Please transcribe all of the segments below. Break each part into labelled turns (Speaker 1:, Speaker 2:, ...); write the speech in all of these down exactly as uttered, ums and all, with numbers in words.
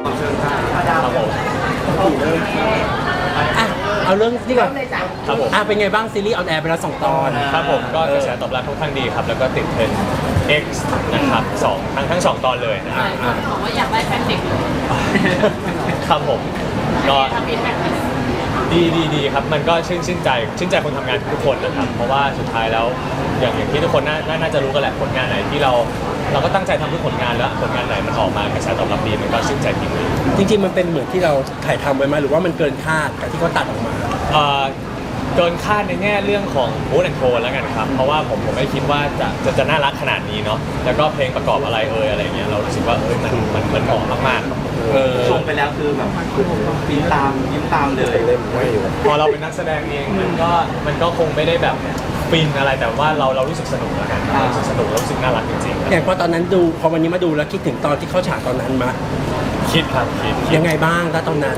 Speaker 1: ครับผม
Speaker 2: อ่ะเอาเรื่องนี่ก่อน
Speaker 1: ครับผม
Speaker 2: อ่ะเป็นไงบ้างซีรีส์ออนแอร์ไปแล้วสองตอน
Speaker 1: ครับผมก็กระแสตอบรับค่อนข้างดีครับ แล้วก็ติดเทรนด์ X นะครับสองทั้งทั้งสองตอนเลยนะครับ
Speaker 2: อ่ะ
Speaker 3: บอกว่าอยากได้แฟนเด็กเลย
Speaker 1: ครับผมก็
Speaker 3: ทำอีกแฟน
Speaker 1: ดีดีดีครับมันก็ชื่นชื่นใจชื่นใจคนทำงานทุกคนนะครับเพราะว่าสุดท้ายแล้วอย่างอย่างที่ทุกคนน่าน่าน่าจะรู้กันแหละผลงานไหนที่เราเราก็ตั้งใจทำทุกผลงานแล้วผลงานไหนมันออกมากระแสตอบรับดีมันก็ชื่นใจจริงเลย
Speaker 2: จริงๆมันเป็นเหมือนที่เราถ่ายทำไว้ไหมหรือว่ามันเกินคาดกับที่เขาตัดออกมา
Speaker 1: เอ่อเกินคาดในแง่เรื่องของมูดแอนโทนแล้วกันครับเพราะว่าผมผมไม่คิดว่าจะจะจะน่ารักขนาดนี้เนาะแล้วก็เพลงประกอบอะไรเอ่ยอะไรเงี้ยเรารู้สึกว่าเอ้ยมันมันมันเหมาะมากๆครับ
Speaker 2: เออ
Speaker 4: ชมไปแล้วคือแบบฟินตามยิ้มตามเลย
Speaker 1: พอเราเป็นนักแสดงเองมันก็มันก็คงไม่ได้แบบฟินอะไรแต่ว่าเราเรารู้สึกสนุกแล้วกันเรารู้สึกสนุกเรารู้สึกน่ารักจริงๆครับ
Speaker 2: อย่างพอตอนนั้นดูพอวันนี้มาดูแล้วคิดถึงตอนที่เข้าฉากตอนนั้นมา
Speaker 1: คิดครับคิดคิด
Speaker 2: ยังไงบ้างถ้าตอนนั้น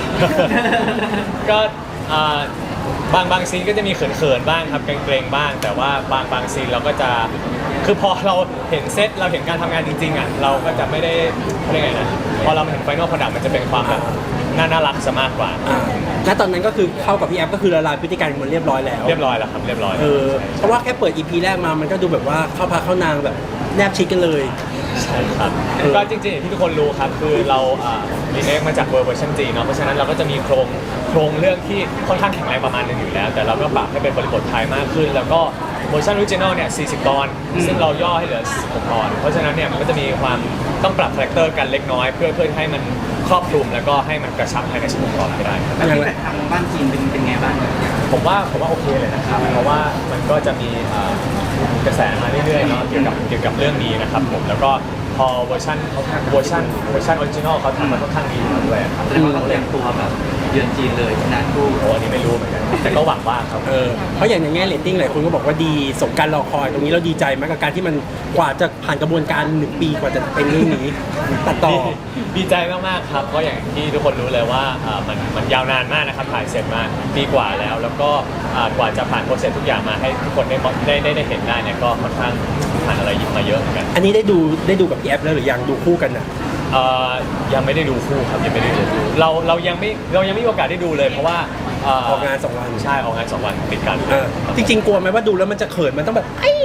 Speaker 1: ก็อ่าบางบางซีนก็จะมีเขินๆบ้างครับเกรงๆบ้าง แต่ว่าบางบางซีนเราก็จะคือพอเราเห็นเซตเราเห็นการทำงานจริงๆอ่ะเราก็จะไม่ได้เรียกไงนะพอเราเห็นไฟนอลโปรดักต์มันจะเป็นความแบบน่าน่ารักซะมากกว่า
Speaker 2: อ่าณตอนนั้นก็คือเข้ากับพี่แอฟก็คือละลายพฤติกรรมมันเรียบร้อยแล้ว
Speaker 1: เรียบร้อยแล้วครับเรียบร้อย
Speaker 2: เออเพราะว่าแค่เปิด อี พี แรกมามันก็ดูแบบว่าเข้าพาเข้านางแบบแนบชิดกันเลย
Speaker 1: ใช่ครับ
Speaker 2: เออ
Speaker 1: ก็จริงๆอย่างที่ทุกคนรู้ครับคือเรารีเมคมาจากเวอร์ชันจีนเนาะเพราะฉะนั้นเราก็จะมีโครงโครงเรื่องที่ค่อนข้างแข็งแรงประมาณหนึงอยู่แล้ว แต่เราก็ปรับให้เป็นบริบทไทยมากขึ้น แล้วก็เวอร์ชันออริจินอลเนี่ยสี่สิบตอน ซึ่งเราย่อให้เหลือสิบหกตอน เพราะฉะนั้นเนี่ยมันก็จะมีความต้องปรับคาแรคเตอร์กันเล็กน้อย เพื่อเพื่อให้มันครอบคลุมแล้วก็ให้มันกระชับภายในสิบหกตอนให้ได้ครับ
Speaker 4: แล้วที่แบบทางบ้านจีนเป็นเป็นไงบ้าง
Speaker 1: ผมว่าผมว่าโอเคเลยนะครับ เพราะว่ามันก็จะมีเอ่อกระแสมาเรื่อยๆเนาะเกี่ยวกับเกี่ยวกับเรื่องนี้นะครับผมแล้วก็พอเวอร์ชันเวอร์ชันเวอร์ชันออริจินอลเขาทำมาค่อนข้างดีอยู่แล้วด้วยครับ
Speaker 4: แสดงว่าเขาเตรียมตัวแบบเยือนจีนเลยชนะคู่
Speaker 1: โอ้อันนี้ไม่รู้เหมือนกันแต่ก็หวังว่าครับ
Speaker 2: เออเพราะอย่างในแง่เรตติ้งหลายคนก็บอกว่าดีสมการรอคอยตรงนี้เราดีใจมากกับการที่มันกว่าจะผ่านกระบวนการหนึ่งปีกว่าจะเป็นเรื่องนี้ตัดต่อ
Speaker 1: ดีใจมากๆครับเพราะอย่างที่ทุกคนรู้เลยว่าอ่ามันมันยาวนานมากนะครับถ่ายเสร็จมาปีกว่าแล้ว แล้วก็อ่ากว่าจะผ่านโปรเซสทุกอย่างมาให้ทุกคนได้ได้ได้ได้เห็นได้เนี่ยก็ค่อนข้างผ่านอะไรยิบมาเยอะเหมือนกัน
Speaker 2: อันนี้ได้ดูได้ดูกับพี่แอฟแล้วหรือยังดูคู่กันนะ
Speaker 1: เอ่อยังไม่ได้ดูคู่ครับยังไม่ได้ดูคู่เราเรายังไม่เรายังไม่มีโอกาสได้ดูเลยเพราะว่าเ
Speaker 2: ออกงานสองวัน
Speaker 1: ใช่ออกงานสองวันติดกัน
Speaker 2: เออจริงๆกลัวไหมว่าดูแล้วมันจะเขินมันต้องแบบไอ้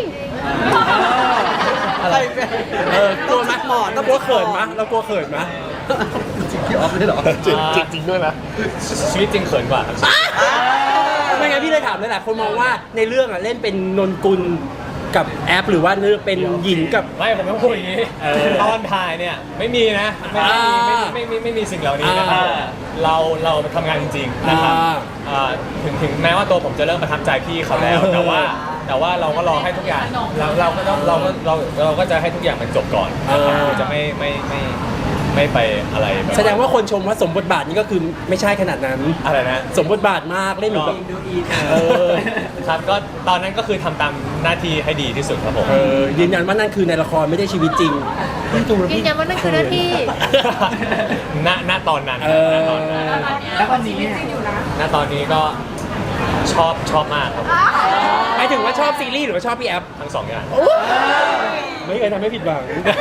Speaker 2: อะไรเออกลัวไหมหมอต้องกลัวเขินไหมเรากลัวเขินไหมพี่ออฟได้หรอ
Speaker 1: จริงจริงด้วยนะชีวิตจริงเขินกว่าครับ
Speaker 2: ไม่งั้นพี่เลยถามเลยแหละคนมองว่าในเรื่องอ่ะเล่นเป็นนนกุลกับแอปหรือว่าเรื่องเป็นหญิงกับ
Speaker 1: ไม่ผมต้องพูดอย่างนี้ตอนถ่ายเนี่ยไม่มีนะไม่ไม่มีไม่ไม่ไม่ไม่มีสิ่งเหล่านี้นะครับ
Speaker 2: อ่า
Speaker 1: เราเราทำงานจริงๆนะครับ
Speaker 2: อ่า
Speaker 1: อ่าถึงถึงแม้ว่าตัวผมจะเริ่มประทับใจพี่เขาแล้ว แต่ว่าแต่ว่าเราก็รอให้ทุกอย่างเราเราก็ต้องเราก็เราเราก็จะให้ทุกอย่างมันจบก่อนนะครับคือจะไม่ไม่ไม่ไม่ไปอะไรแบบ
Speaker 2: แสดงว่าคนชมว่าสมบทบาทนี้ก็คือไม่ใช่ขนาดนั้น
Speaker 1: อะไรนะ
Speaker 2: สมบทบาทมากเล่นเหมือนแบบ
Speaker 4: ดูอีท
Speaker 2: เออ
Speaker 1: ครับก็ตอนนั้นก็คือทำตามหน้าที่ให้ดีที่สุดครับผม
Speaker 2: เออยืนยันว่านั่นคือในละครไม่ได้ชีวิตจริงพี่ดูแล้ว
Speaker 3: ยื
Speaker 2: พี่
Speaker 3: นยันว่านั่นคือหน้าที่
Speaker 1: ณณตอนนั้น
Speaker 2: เออ
Speaker 1: ณตอนนั้น
Speaker 4: แล้ววันนี้เนี่ย
Speaker 1: ณตอนนี้ก็ชอบชอบมากครับ
Speaker 2: หมายถึงว่าชอบซีรีส์หรือว่าชอบพี่แอฟ
Speaker 1: ทั้งสองอย่าง
Speaker 2: ไม่เคยทำให้ผิดหวัง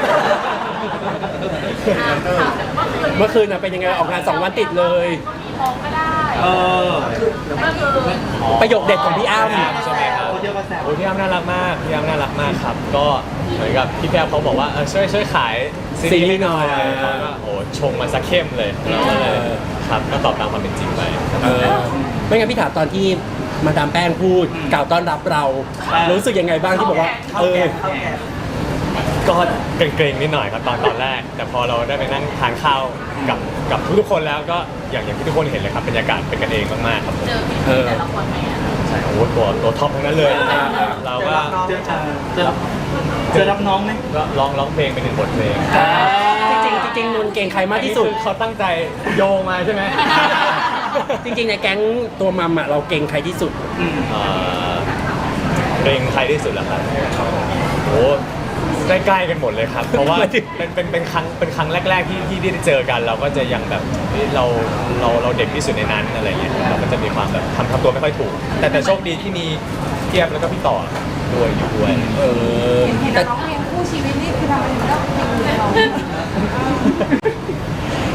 Speaker 2: เมื่อคืนน่ะเป็นยังไงออกงานสองวันติดเลย
Speaker 4: เออ
Speaker 2: ประโยคเด็ดของพี่อ้ำ
Speaker 1: ใช่ไหมครับ
Speaker 4: โอ้เยอะกว่าแซว
Speaker 1: โอ้พี่อ้ำน่ารักมากพี่อ้ำน่ารักมากครับ ก็เหมือนกับพี่แพรวเขาบอกว่าเออช่วยช่วยขายซีรีส์ให้หน่อยเขาก็โอ้ชงมาซะเข้มเลยเราก็เลยครับก็ตอบตามความเป็นจริงไป
Speaker 2: เออไม่งั้นพี่ถามตอนที่มาดามแป้งพูดกล่าวต้อนรับเรารู้สึกยังไงบ้างที่บอกว่าเออ
Speaker 1: ก็เกรงๆนิดหน่อยครับตอนตอนแรก แต่พอเราได้ไปนั่งทานข้าวกับกับทุกๆคนแล้วก็อย่างอย่างที่ทุกคนเห็นเลยครับบรรยากาศเป็นกันเองมากๆครับผม
Speaker 3: เจอพี่แต่ละคนไหมอ่ะ
Speaker 1: ใช่โอ้โหตัวตัวท็อปทั้งนั้นเลยเราก็
Speaker 4: เจอเจอเจอรับน้องไหม
Speaker 1: ก็ร้องร้องเพลงเป็นหนึ่งบทเพลง
Speaker 2: จริงๆจริงๆนนท์เก่งใครมากที่สุด
Speaker 1: อันนี้คือเขาตั้งใจโยงมาใช่ไหม
Speaker 2: จริงๆในแก๊งตัวมัมอ่ะเราเก่งใครที่สุด
Speaker 4: อืม
Speaker 1: เอ่อเพลงใครที่สุดล่ะครับโอ้ใกล้ๆกันหมดเลยครับ เพราะว่า
Speaker 2: หมายถึง
Speaker 1: เป็นเป็นเป็นครั้งเป็นครั้งแรก ๆ ที่ที่ได้เจอกัน เราก็จะยังแบบเฮ้ยเราเราเราเด็กที่สุดในนั้นอะไรเงี้ยเราก็จะมีความแบบทำทำตัวไม่ค่อยถูก แต่แต่โชคดีที่มีเทียบแล้วก็พี่ต่อด้วยอยู่ด้วย
Speaker 2: เออ
Speaker 5: เห็น
Speaker 2: แต่
Speaker 5: ร้องเพลงคู่ชีวิตนี่คือทำไมถึงเลือกเพลงนี้ร้อง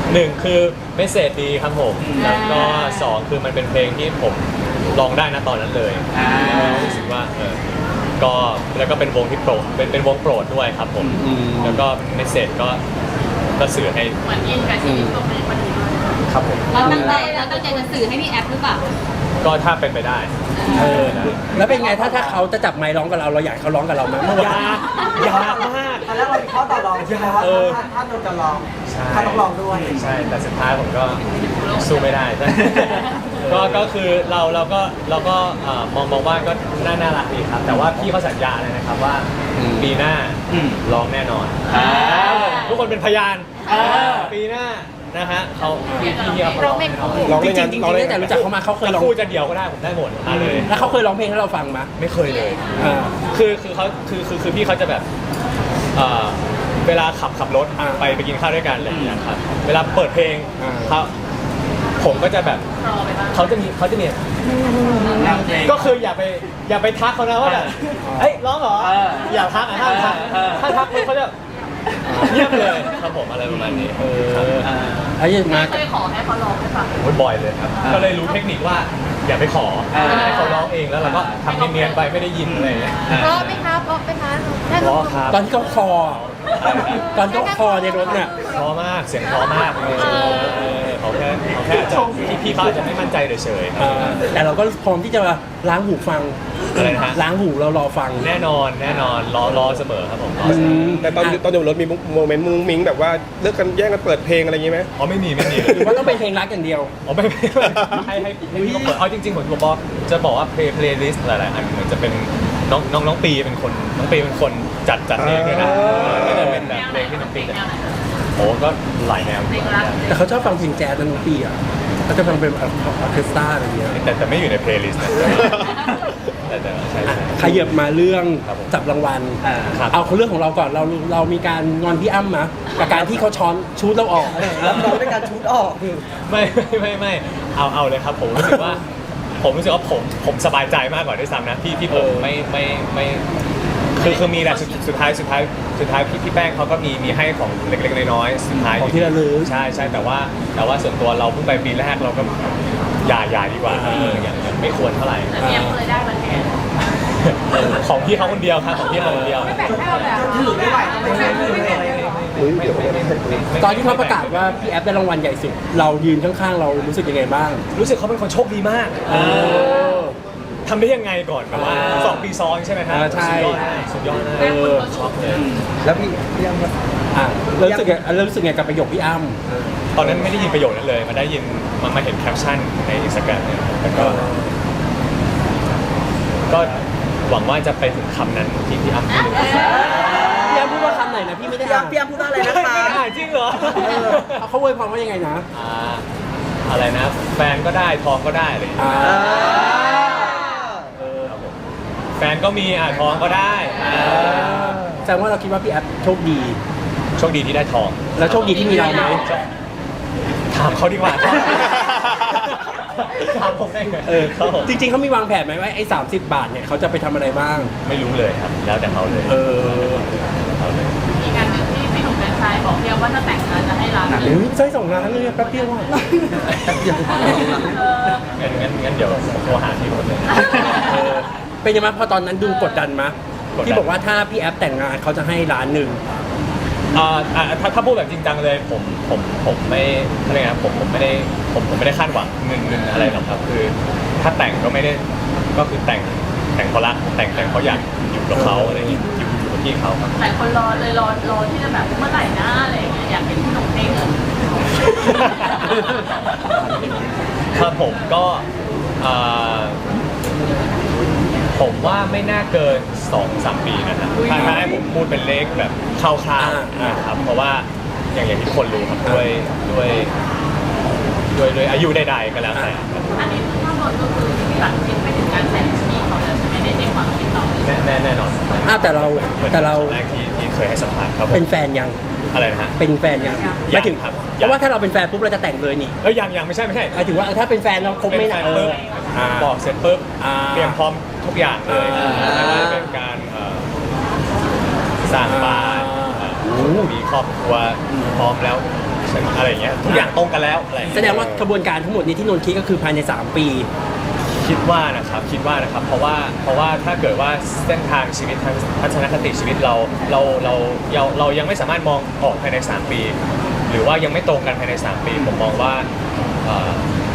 Speaker 1: หนึ่งคือเมสเซจดีครับผมแล้วก็สองคือมันเป็นเพลงที่ผมร้องได้นะตอนนั้นเลย
Speaker 4: อ่า
Speaker 1: แล้วรู้สึกว่าเออก็แล้วก็เป็นวงที่โปรดเป็นเป็นวงโปรดด้วยครับผมแล้วก็เมสเซจก็ก็สื่อให้
Speaker 3: เหมือนอินกับชีวิตตรงนี้พอดี
Speaker 1: ครับผม
Speaker 3: เราตั้งใจเราตั้งใจจะสื่อให้พี่แอฟหรือเปล่า
Speaker 1: ก็ถ้าเป็นไปได้
Speaker 2: เออแล้วเป็นไงถ้าถ้าเขาจะจับไมค์ร้องกับเราเราอยากให้เขาร้องกับเราไหมเมื่อวาย
Speaker 1: าน กยากมาก
Speaker 5: ตอนแรกเรามีข้อต่อรองใช่ไหมว่า
Speaker 1: เออ
Speaker 5: ถ้าถ้าโดนจะลอง
Speaker 1: ใช่
Speaker 5: ถ้าต้องลองด้วย
Speaker 1: ใช่แต่สุดท้ายผมก็สู้ไม่ได้ ก็ก็คือเราเราก็เราก็เอ่อมองมองว่าก็น่าน่ารักดีครับ แต่ว่าพี่เขาสัญญาเลยนะครับว่าปีหน้า
Speaker 4: อืม
Speaker 1: ร้องแน่นอน
Speaker 4: อ่า
Speaker 1: ทุกคนเป็นพยาน
Speaker 4: อ่า
Speaker 1: ปีหน้านะฮะเขาพี่พี่เขาร้องแน่นอน
Speaker 2: ร้องจริงๆจริงๆตั้งแต่รู้จักเขามาเขาเคย
Speaker 1: จะ
Speaker 2: ร้อง
Speaker 1: คู่จะเดี่ยวก็ได้ผมได้หมดมาเลย
Speaker 2: แล้วเขาเคยร้องเพลงให้เราฟังไหม
Speaker 1: ไม่เคยเลย
Speaker 2: อ่า
Speaker 1: คือคือเขาคือคือคือพี่เขาจะแบบเอ่อเวลาขับขับรถ
Speaker 2: อ่า
Speaker 1: ไปไปกินข้าวด้วยกันอะไรอย่างเงี้ยครับเวลาเปิดเพลง
Speaker 2: อ่า
Speaker 1: เขาผมก็จะแบบ
Speaker 3: รอไปบ้าง
Speaker 1: เขาจะมีเขาจะมี
Speaker 4: นำเพลง
Speaker 1: ก็คืออย่าไปอย่าไปทักเขานะว่าแบบเอ้ยร้องเหรอ
Speaker 4: เออ
Speaker 1: อย่าทักอ่ะห้ามทัก
Speaker 4: เออ
Speaker 1: ถ้าทักปุ๊บเขาจะเงียบเลยครับผมอะไรประมาณนี้เออ
Speaker 4: อ่า
Speaker 2: ไอ้ยังมา
Speaker 3: เคยขอให้เขาลองให้ฟัง
Speaker 1: โอ้ยบ่อยเลยครับก็เลยรู้เทคนิคว่าอย่าไปขอ
Speaker 4: อ่า
Speaker 1: ให้เขาร้องเองแล้วเราก็ทำเนียนๆไปไม่ได้ยินอะไรอย่างเงี้ย
Speaker 3: เพราะไหมคะเพราะไหมคะให้
Speaker 1: เพ
Speaker 3: เขา
Speaker 1: ราะครับ
Speaker 2: ตอนที่เขาคอ ตอนที่เขาคอในรถเนี่ย
Speaker 1: เพราะมากเสียงเพราะมากเลยเออเขาแค่เขาแค่อาจจะพี่พี่เขาอาจจะไม่มั่นใจเฉยๆครับ
Speaker 2: แต่เราก็พร้อมที่จะล้างหูฟัง
Speaker 1: อะไรนะฮะ
Speaker 2: ล้างหูเรารอฟัง
Speaker 1: แน่นอนแน่นอนรอรอเสมอครับผมรอ
Speaker 2: อื
Speaker 1: เสมอ
Speaker 2: ม
Speaker 6: แต่ตอนตอนอยู่บนรถมีโมเมนต์มุ้งมิ้งแบบว่าเลิกกันแย่งกันเปิดเพลงอะไรอย่างงี้ไหม
Speaker 1: อ๋อไม่มีไม่มี
Speaker 2: หรือว่าต้องเป็นเพลงรักอย่างเดียว
Speaker 1: อ๋อไม่ไม่ไม่ให้ให้ให้พี่เขาเปิดเอาจริงๆผมจะบอกจะบอกว่าเพลย์เพลย์ลิสต์หลายๆอันเหมือนจะเป็นน้องน้องน้องปีเป็นคนน้องปีเป็นคนจัดจัดเองด้วยนะก็จะเป็นแบบเพลงที่น้องปีจัดโอ้ก็หลายแนว
Speaker 3: เพลงรัก
Speaker 2: แต่เขาชอบฟังเพลงแจ๊สนั่นทุกปีอ่ะเขาจะฟังเป็นออร์เคสตราอะไรเงี้ย
Speaker 1: แต่แต่ไม่อยู่ในเพลย์ลิสต์นะแต่แต่ใช่ใช่
Speaker 2: ขยับมาเรื่อง
Speaker 1: ครับผม
Speaker 2: จับรางวัล
Speaker 4: อ่า
Speaker 1: ครับ
Speaker 2: เอาเรื่องของเราก่อนเราเรามีการงอนพี่อ้ำมะกับการที่เขาช้อนชูดเราออก
Speaker 5: รับน้องด้วยการชุดออก
Speaker 1: ไม่ไม่ไม่ไม่เอาเอาเลยครับผมรู้สึกว่า ผมรู้สึกว่าผมผมสบายใจมากกว่าด้วยซ้ำนะที่ที่ผมไม่ไม่ไม่คือคือมีแหละสุดสุดท้ายสุดท้ายสุดท้ายพี่พี่แป้งเขาก็มีมีให้ของเล็กๆน้อยๆสุดท้าย
Speaker 2: ของที่ระลึก
Speaker 1: ใช่ใช่แต่ว่าแต่ว่าส่วนตัวเราเพิ่งไปปีแรกเราก็อย่าอย่าดีกว่าเอออย่างอย่างไม่ควรเท่าไหร่
Speaker 3: แต่พี่แอฟเคยได้มาแทน
Speaker 1: ของพี่เขาคนเดียวครับของพี่เขาคนเดียว
Speaker 3: ไม่แบ่งให้เราแล้ว
Speaker 5: ถือไม่ไหวก็ไม่ใช่เลย
Speaker 6: อุ้ยเดี๋ยว
Speaker 2: ตอนที่เขาประกาศว่าพี่แอฟได้รางวัลใหญ่สุด เรายืนข้างๆเรารู้สึกยังไงบ้าง
Speaker 1: รู้สึกเขาเป็นคนโชคดีมากทำได้ยังไงก่อนแบบว่าสองปีซ้อนใช่ไหมครั
Speaker 2: อ่าใช่
Speaker 1: สุดยอดมากสุดยอดมาก
Speaker 2: เออ
Speaker 1: ช็อกเลย
Speaker 5: แล้วพี่พี่ยัง
Speaker 2: อ่ะเรารู้สึกไงเรารู้สึกไงกับประโยคพี่อ้ำ
Speaker 1: ตอนนั้นไม่ได้ยินประโยคนั้นเลยมาได้ยินมามาเห็นแคปชั่นในอินสตาแกรมเนี่ยแล้วก็ก็หวังว่าจะไปถึงคำนั้นที่พี่อ้ำพูดเลย
Speaker 2: พี่อ้ำพูดว่าคำไหนนะพี่ไม่ได้
Speaker 5: พี่
Speaker 2: อ่า
Speaker 5: ยัง
Speaker 2: น
Speaker 5: พี่ยังพูดว่าอะไรนะ
Speaker 1: ไม่
Speaker 5: คะ
Speaker 1: ได้อ่านจริงเหรอ
Speaker 2: เออเขาอวยพรว่ายังไงนะ
Speaker 1: อ่าอะไรนะ แฟนก็ได้ทองก็ได้อะไรอย่าง
Speaker 2: อ่า
Speaker 1: เงี้ยเออครับผมแฟนก็มีอ่าทองก็ได้อ่า
Speaker 2: แสดงว่าเราคิดว่าพี่แอฟโชคดี
Speaker 1: โชคดีที่ได้ทอง
Speaker 2: แล้วโชคดีที่มีเราไหม
Speaker 1: ถามเขาดีกว่าถามผมได้ไง
Speaker 2: เออ
Speaker 1: ครับผม
Speaker 2: จริงๆเขามีวางแผนไหมว่าไอ้สามสิบบาทเนี่ยเขาจะไปทำอะไรบ้าง
Speaker 1: ไม่รู้เลยครับ แล้วแต่เขาเลย
Speaker 2: เออ
Speaker 1: เขาเลย
Speaker 3: อีกอันหนึ่งที่พี่หนุ่มแฟนชายบอกเพียงว่าถ้าแต่งงานจะให้ร้าน
Speaker 2: โอ้ยใช้สองล้านเลยแป๊บเดียวอ่ะ
Speaker 3: เออ
Speaker 1: งั้นงั้นงั้นเดี๋ยวผมโทรหาพี่คนเลย
Speaker 2: เออเป็นยังไงพอตอนนั้นดูกดดันมะ
Speaker 1: กดดัน
Speaker 2: ที่บอกว่าถ้าพี่แอฟแต่งงานเขาจะให้ล้านหนึ่ง
Speaker 1: อ่าอ่าถ้าถ้าพูดแบบจริงจังเลยผมผมผมไม่อะไรนะผมผมไม่ได้ผมผมไม่ได้คาดหวังเงินเงินอะไรหรอกครับ คือถ้าแต่งก็ไม่ได้ก็คือแต่งแต่งเพราะรักแต่งแต่งเพราะอยากอยู่กับเขาอะไรอย่างเงี้ยอยู่อยู่กับพี่เขาครับ
Speaker 3: หลายคนรอเลยรอรอที่จะแบบเมื่อไหร่นะอะไรอย่างเงี้ยอยากเห็นพี่หนุ่มได้เงิน
Speaker 1: ครับผมก็อ่าผมว่าไม่น่าเกินสองสามปีนะครับถ้าถ้าให้ผมพูดเป็นเลขแบบคร่าวๆนะครับเพราะว่าอย่างอย่างที่ทุกคนรู้ครับด้วยด้วยด้วยด้วยอายุใดๆก็แล้วแต่ครับ
Speaker 3: อันนี้คือถ้าหมดก็คือตัดสินไปถึงการแต่งพี่เขาแล้วใช่ไหมในในความคิดเรา
Speaker 1: แน่แน่แน่นอน
Speaker 2: อ้าวแต่เราแต่เรา
Speaker 1: แรกที่ที่เคยให้สัมภาษณ์ครับผม
Speaker 2: เป็นแฟนยัง
Speaker 1: อะไรนะฮะ
Speaker 2: เป็นแฟนยัง
Speaker 1: ยัง
Speaker 2: ไม่ถึง
Speaker 1: ครับ
Speaker 2: เพราะว่าถ้าเราเป็นแฟนปุ๊บเราจะแต่งเลยนี่
Speaker 1: เอ้ยยังยังไม่ใช่ไม่ใช่
Speaker 2: หมายถึงว่าถ้าเป็นแฟนเราคบไม่
Speaker 1: เป็นแฟ
Speaker 2: นาน
Speaker 1: น
Speaker 2: เอ
Speaker 1: ปุ๊
Speaker 2: อบ อ่า
Speaker 1: บอกเสร็จปุ๊บ
Speaker 2: อ่า
Speaker 1: เตรียมพร้อมทุกอย่างเลย
Speaker 2: อ่า
Speaker 1: ไม่ว่าจะเป็นการเอ่อสร้างบ้าน
Speaker 2: อ่า
Speaker 1: เอ่อมีครอบครัวพร้อมแล้วใช่ไหมอะไรอย่างเงี้ยทุกอย่างตรงกันแล้วอะไรอย่าง
Speaker 2: แส
Speaker 1: เงี้ย
Speaker 2: ดงว่ากระบวนการทั้งหมดนี้ที่นนท์คิดก็คือภายในสามปี
Speaker 1: คิดว่านะครับคิดว่านะครับเพราะว่าเพราะว่าถ้าเกิดว่าเส้นทางชีวิตทางทัศนคติชีวิตเราเราเราเราเรายังไม่สามารถมองออกภายในสามปี หรือว่ายังไม่ตรงกันภายในสามปีผมมองว่าเอ่อ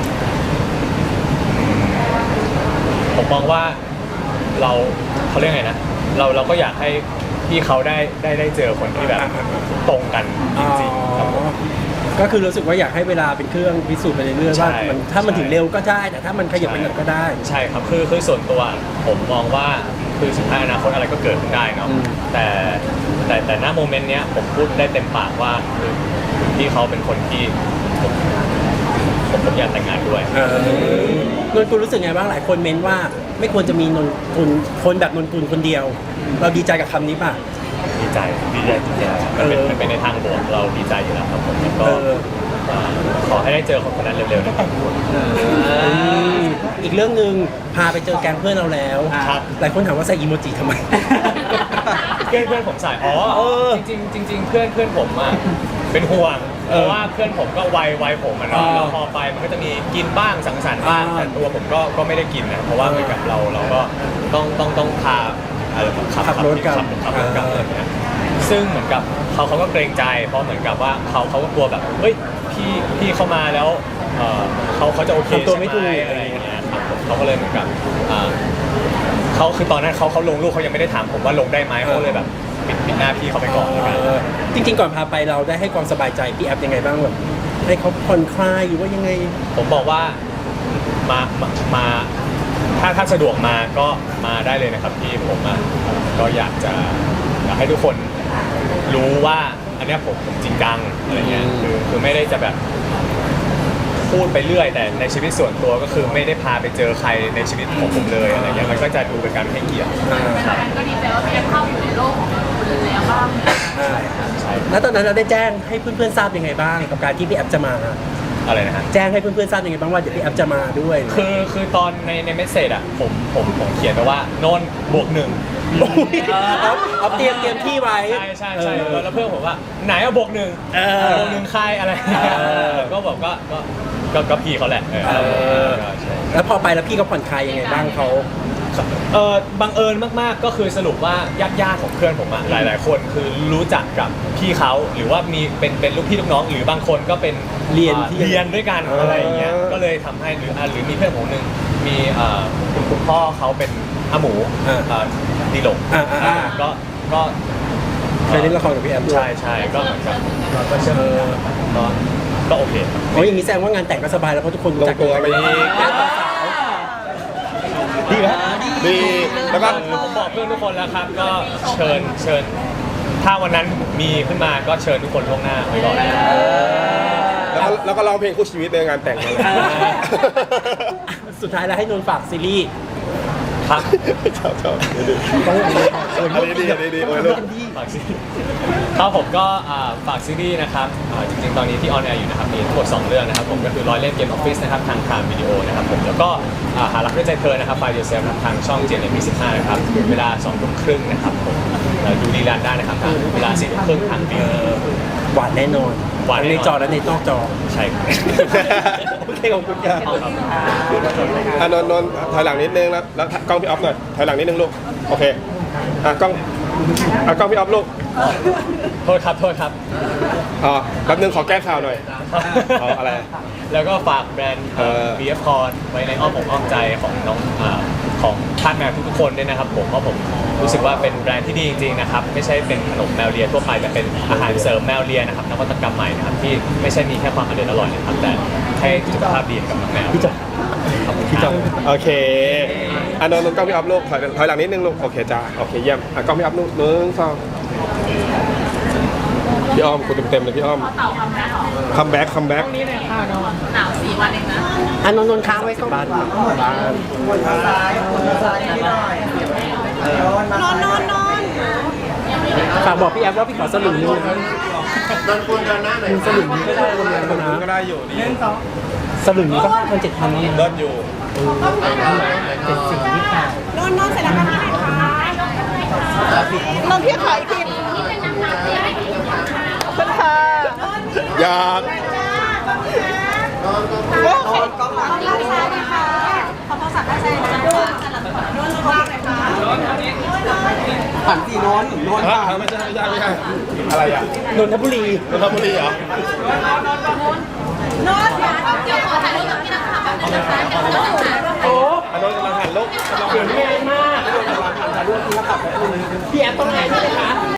Speaker 1: ผมมองว่าเราเขาเรียกไงนะเราเราก็อยากให้พี่เขาได้ได้ได้เจอคนที่แบบตรงกันจริงๆครับผม
Speaker 2: ก็คือรู้สึกว่าอยากให้เวลาเป็นเครื่องพิสูจน์ไปเรื่อยๆว่า
Speaker 1: ใช่
Speaker 2: มันถ้ามัน
Speaker 1: ใช่
Speaker 2: ถึงเร็วก็ได้แต่ถ้ามันขยับไปหน่อยก็ได้
Speaker 1: ใช่ครับคือคือส่วนตัวผมมองว่าคือสุดท้ายอนาคตอะไรก็เกิดขึ้นได้เนาะ
Speaker 2: อืม
Speaker 1: แต่แต่แต่ณโมเมนต์เนี้ยผมพูดได้เต็มปากว่าคือพี่เขาเป็นคนที่ผมผมผมอยากแต่งงานด้วย
Speaker 2: เออนนกุลรู้สึกไงบ้างหลายคนเม้นว่าไม่ควรจะมีนนกุลคนแบบนนกุลคนเดียว เราดีใจกับคำนี้ป่ะ
Speaker 1: ดีใจดีใจจริงๆมันเป็น
Speaker 2: เออ
Speaker 1: มันเป็นในทางบวกเราดีใจอยู่แล้วครับผมแล้วก็
Speaker 2: เออ
Speaker 1: เอ่อขอให้ได้เจอคนคนนั้นเร็วๆนะครับ
Speaker 2: มอีกเรื่องหนึ่งพาไปเจอแก๊งเพื่อนเราแล้ว
Speaker 1: ครับ
Speaker 2: หลายคนถามว่าใส่อีโมจิทำไม
Speaker 1: เพื่อนเพื่อนผมใส่อ๋อ
Speaker 2: เออ
Speaker 1: จริงๆจริง ๆ เพื่อนเพื่อนผมอ่ะเป็นห่วงเพราะว่าเพื่อนผมก็วัยวัยผมอ่ะเนาะ
Speaker 2: อ่า
Speaker 1: แล้วพอไปมันก็จะมีกินบ้างสังสรรค์บ้าง
Speaker 2: อ่า
Speaker 1: แต่ตัวผมก็ก็ไม่ได้กินนะเพราะว่าเหมือนกับเราเราก็ต้องต้องต้องพาอะไรขับ
Speaker 2: ขับรถกลับ
Speaker 1: ขับขับรถกลับ
Speaker 2: อ่า
Speaker 1: อะไรอย่างเงี้ยซึ่งเหมือนกับเขาเขาก็เกรงใจเพราะเหมือนกับว่าเขาเขาก็กลัวแบบเฮ้ยพี่พี่เข้ามาแล้วเอ่อเขาเขาจะโอเค
Speaker 2: ทำตัวไม่ถูก
Speaker 1: ใช่หอะไรอย่างเงี้ยครับผมเขาก็เลยเหมือนกับอ่า เขาคือตอนนั้นเขาเขาลงรูปเขายังไม่ได้ถามผมว่าลงได้ไหมเขาเลยแบบปิดปิดหน้าพี่เขาไปก่อนแล้วกัน
Speaker 2: เออจริงๆก่อนพาไปเราได้ให้ความสบายใจพี่แอฟยังไงบ้างแบบให้เขาผ่อนคลายหรือว่ายังไง
Speaker 1: ผมบอกว่ามามามาถ้าถ้าสะดวกมาก็มาได้เลยนะครับพี่ผมอ่ะก็อยากจะอยากให้ทุกคนรู้ว่าอันเนี้ยผมผมจริงจังอะไรเงี้ย
Speaker 2: อืม
Speaker 1: คือคือไม่ได้จะแบบพูดไปเรื่อย แต่ในชีวิตส่วนตัวก็คือไม่ได้พาไปเจอใครในชีวิตของผมเลยอะไรเงี้ยมันก็จะดูเป็นการให้เกียรติ
Speaker 2: อ่า
Speaker 3: แฟนก็ดีใจว่าพี่แอฟเข้าอยู่ในโลกของคุณแล้วบ้าง
Speaker 2: อ่า
Speaker 1: ใช่
Speaker 2: แล้วตอนนั้นเราได้แจ้งให้เพื่อนๆทราบยังไงบ้างกับการที่พี่แอฟจะมา
Speaker 1: อะไรนะฮะ
Speaker 2: แจ้งให้เพื่อนๆทราบยังไงบ้างว่าเดี๋ยวพี่แอฟจะมาด้วย
Speaker 1: คือคือตอนในในเมสเซจอ่ะผมผมผมเขียนไปว่านนท์บวกหนึ่ง
Speaker 2: โอ้ยเอาเอาเตรียมเตรียมที่ไว้
Speaker 1: ใช่ใช่ใช่
Speaker 2: เออ
Speaker 1: แล้วเพื่อนผมว่าไหนอะบวกหนึ่ง
Speaker 2: เออ
Speaker 1: บวกหนึ่งใครอะไรอย่างเงี้ย
Speaker 2: เออ
Speaker 1: ก็บอกก็ก็ก็ก็พี่เขาแหละเออ
Speaker 2: เออ
Speaker 1: ก็ใช่
Speaker 2: แล้วพอไปแล้วพี่เขาผ่อนคลายยังไงบ้างเขา
Speaker 1: เออบังเอิญมากๆก็คือสรุปว่าญาติญาติๆของเพื่อนผมอะหลาย ๆ คนคือรู้จักกับพี่เขาหรือว่ามีเป็นเป็นลูกพี่ลูกน้อง หรือบางคนก็เป็น
Speaker 2: เรียน
Speaker 1: อ่า
Speaker 2: ที่
Speaker 1: เรียนด้วยกัน
Speaker 6: เอออ
Speaker 1: อะไรอย่างเงี้ยก็เลยทำให้หรืออ่ะหรือมีเพื่อนผมหนึ่งมีเอ่อคุณคุณพ่อเขาเป็นอาหมู
Speaker 2: อ่า
Speaker 1: เอ่อดีหลง
Speaker 2: อ่าอ่าอ่า
Speaker 1: ก็ก็
Speaker 2: เคยเล่นละครกับพี่แอฟด้วย
Speaker 1: ใช่ใช่ก็เหมือนกับก็ก็เชื่อก็ก็โอเค
Speaker 2: โอ้ยอย่างนี้แสดงว่างานแต่งก็สบายแล้วเพราะทุกคน
Speaker 6: ล
Speaker 2: รู้
Speaker 6: ง
Speaker 2: จัก
Speaker 6: ตัวไปอีก
Speaker 2: แล้วต่อสาว
Speaker 6: ดีครับดีแล้วก็
Speaker 1: คือผมบอกเพื่อนทุกคนแล้วครับ ก็เชิญเชิญ ถ้าวันนั้นมีขึ้นมาก็เชิญทุกคนล่วงหน้าไว้ก่อน
Speaker 6: แล้วก็แล้วก็ร้องเพลงคู่ชีวิตในงานแต่งนั่นแหละ
Speaker 2: สุดท้ายแล้วให้นนท์ฝากซีรีส์
Speaker 1: ครับ
Speaker 6: ชอบชอบดี
Speaker 2: ต้องเออ
Speaker 6: อันนี้ดีอันนี้ดีโอ้ยลูก
Speaker 1: ฝากซีรีส์ครับผมก็อ่าฝากซีรีส์นะครับอ่าจริงๆ ตอนนี้ที่ออนแอร์อยู่นะครับมีทั้งหมดสองเรื่องนะครับผมก็คือร้อยเล่นเกมออฟฟิศนะครับทางพรามวิดีโอนะครับผมแล้วก็อ่าหารักด้วยใจเธอนะครับไฟเดอร์เซลทางช่อง เจ เอ็น เอ็ม ยี่สิบห้านะครับเวลาสองทุ่มครึ่งนะครับผมเอ่อดูรีลันได้นะครับทางเวลาสี่ทุ่มครึ่งทางวี
Speaker 2: หวานแน่นอน
Speaker 1: หวานแน่นอน
Speaker 2: ทั้งในจอและในนอกจอ
Speaker 1: ใช่ครับ
Speaker 2: โอเคขอบคุณครับ
Speaker 1: เอาครับ
Speaker 6: อ่ะนนท์นนท์ถอยหลังนิดนึงแล้วแล้วกล้องพี่ออฟหน่อยถอยหลังนิดนึงลูกโอเคอ่ะกล้องอ่ะกล้องพี่ออฟลูก
Speaker 1: โทษครับโทษครับ
Speaker 6: อ๋อแป๊บนึงขอแก้ข่าวหน่อย เอาอะไร
Speaker 1: แล้วก็ฝากแบรนด์
Speaker 6: เออ
Speaker 1: บี เอฟ Corn ไว้ในอ้อมอกอ้อมใจของน้องอ่าของทาสแมวทุกๆคนด้วยนะครับผมเพราะผมรู้สึกว่าเป็นแบรนด์ที่ดีจริงๆนะครับไม่ใช่เป็นขนมแมวเลียทั่วไปแต่เป็นอาหารเสริมแมวเลียนะครับนวัตกรรมใหม่นะครับที่ไม่ใช่มีแค่ความอร่อยอร่อยนะครับแต่ให้สุขภาพดีกับน้องแมว
Speaker 2: พี่จอ
Speaker 1: ขอบคุณครับ
Speaker 6: โอเคอ่ะนนท์นนท์กล้องพี่ออฟลูกถอยถอยหลังนิดนึงลูกโอเคจ้าโอเคเยี่ยมอ่ะกล้องพี่ออฟลูกหนึ่งสองพี่อ้อมคุณเต็มๆเลยพี่อ้อม
Speaker 3: พอเต่าคำแรกหรอ
Speaker 6: คัมแบ็กคัมแบ็ก
Speaker 3: หนาวสี่วันเองนะ
Speaker 2: อันนนท์นนท์ค้างไว้ก็บ้านบ้าน
Speaker 5: คนซ้ายคนซ้ายนิดหน่อยนอนนอนนอนนอน
Speaker 2: ฝากบอกพี่แอฟว่าพี่ขอสลึงนึงนะครับ
Speaker 5: นอนคุณกันหน้าหน่อย
Speaker 2: สลึงนี้ก็ได้ประมาณนั้น
Speaker 6: ก็
Speaker 2: นะ
Speaker 6: ได้อยู่ดี
Speaker 2: สลึงนี้ก็ห้าพันเจ็ดพันแล้วนะ
Speaker 6: เลิศอยู่
Speaker 2: เจ็ดสิบยี่สิบแปด
Speaker 4: นอนนอนเสร็จแล้วก็พี่ไหนคะนอนพี่ขออีกทีขอบคุณค่ะ
Speaker 6: อยาก
Speaker 5: นอนกล้องหลัง
Speaker 4: ด้านซ้ายนะคะขอโทรศัพท์ด้านซ้ายนะคะนอนลงล่างเลยค่ะ
Speaker 5: หันสีนอนนอน
Speaker 6: ฮะไม่ใช่ไม่ใช่ไม่ใช่อะไรอ่ะ
Speaker 2: นนทบุรี
Speaker 6: นนทบุรีเหรอ
Speaker 4: นอนค่ะ
Speaker 3: เดี๋ยวขอถ่ายรูปกับพี่นักข่าวแป๊บนึงนะคะเดี๋ยวเราจะถ่ายรูป
Speaker 2: โอ้
Speaker 6: อันนั้นกำลังหันลูกกำลัง
Speaker 2: เสียงแรงมากพี่แอฟต้องไงใช่ไหมคะ